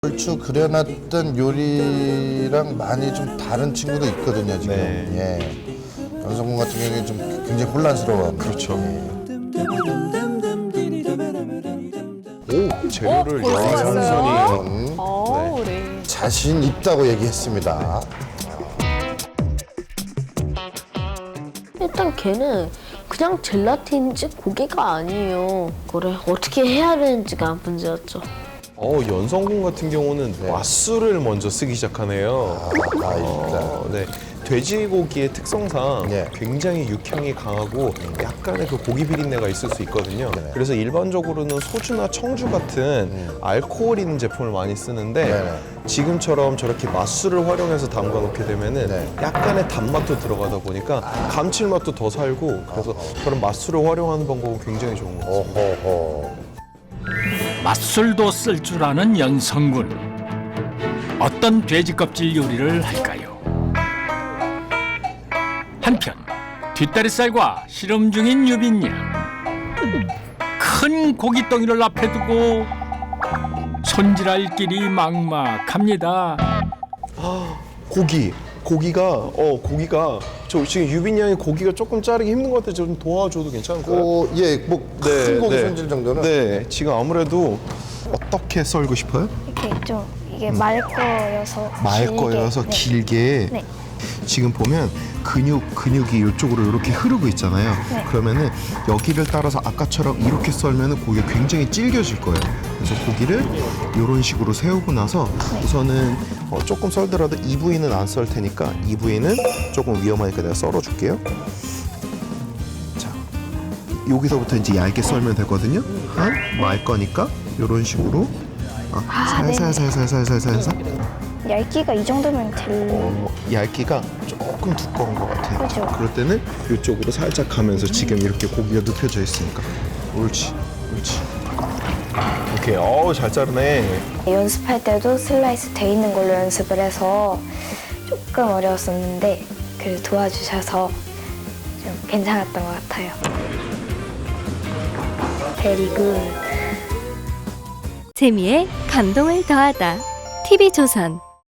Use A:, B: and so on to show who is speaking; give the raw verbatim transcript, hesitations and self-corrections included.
A: 얼추 그려놨던 요리랑 많이 좀 다른 친구도 있거든요, 지금.
B: 네.
A: 예. 연성군 같은 경우에 좀 굉장히 혼란스러워.
B: 그렇죠.
A: 예.
B: 오, 재료를
C: 벌써
B: 양손이
C: 왔어요?
A: 음,
C: 어, 네.
A: 자신 있다고 얘기했습니다.
D: 일단 걔는 그냥 젤라틴인지 고기가 아니에요. 그래 어떻게 해야 되는지가 문제였죠.
B: 어, 연성군 같은 경우는 맛술을 먼저 쓰기 시작하네요.
A: 아, 아, 일단.
B: 어, 네. 돼지고기의 특성상
A: 네.
B: 굉장히 육향이 강하고 약간의 그 고기 비린내가 있을 수 있거든요.
A: 네.
B: 그래서 일반적으로는 소주나 청주 같은 알코올 있는 제품을 많이 쓰는데
A: 네.
B: 지금처럼 저렇게 맛술을 활용해서 담가 놓게 되면은
A: 네.
B: 약간의 단맛도 들어가다 보니까 감칠맛도 더 살고 그래서 그런 맛술을 활용하는 방법은 굉장히 좋은 것 같습니다.
A: 오호호.
E: 맛술도 쓸 줄 아는 연성군. 어떤 돼지 껍질 요리를 할까요? 한편 뒷다리살과 씨름 중인 유빈 양. 큰 고깃덩이를 앞에 두고 손질할 길이 막막합니다.
B: 고기, 고기가 어 고기가 저 지금 유빈 양이 고기가 조금 자르기 힘든 것 같아요. 좀 도와줘도 괜찮을까요?
A: 오, 예, 뭐 큰 고기 손질 정도는.
B: 네, 지금 아무래도 어떻게 썰고 싶어요?
F: 이렇게 좀 이게 말 거여서
B: 말
F: 길게,
B: 거여서
F: 네.
B: 길게.
F: 네.
B: 지금 보면 근육 근육이 이쪽으로 이렇게 흐르고 있잖아요.
F: 네.
B: 그러면은 여기를 따라서 아까처럼 이렇게 썰면은 고기가 굉장히 질겨질 거예요. 그래서 고기를 이런 식으로 세우고 나서 우선은 어, 조금 썰더라도 이 부위는 안 썰 테니까 이 부위는 조금 위험하니까 내가 썰어줄게요. 자, 여기서부터 이제 얇게 썰면 되거든요. 한 말 거니까 이런 식으로 어,
F: 아, 네네.
B: 살살살살살살살살.
F: 얇기가 이 정도면 될
B: 어, 얇기가 조금 두꺼운 것 같아요.
F: 그죠.
B: 그럴 때는 이쪽으로 살짝 가면서 지금 이렇게 고기가 눕혀져 있으니까. 옳지, 옳지. 오케이, 어우 잘 자르네.
F: 연습할 때도 슬라이스 돼 있는 걸로 연습을 해서 조금 어려웠었는데 그래도 도와주셔서 좀 괜찮았던 것 같아요. 베리 굿.
G: 재미에 감동을 더하다. 티비조선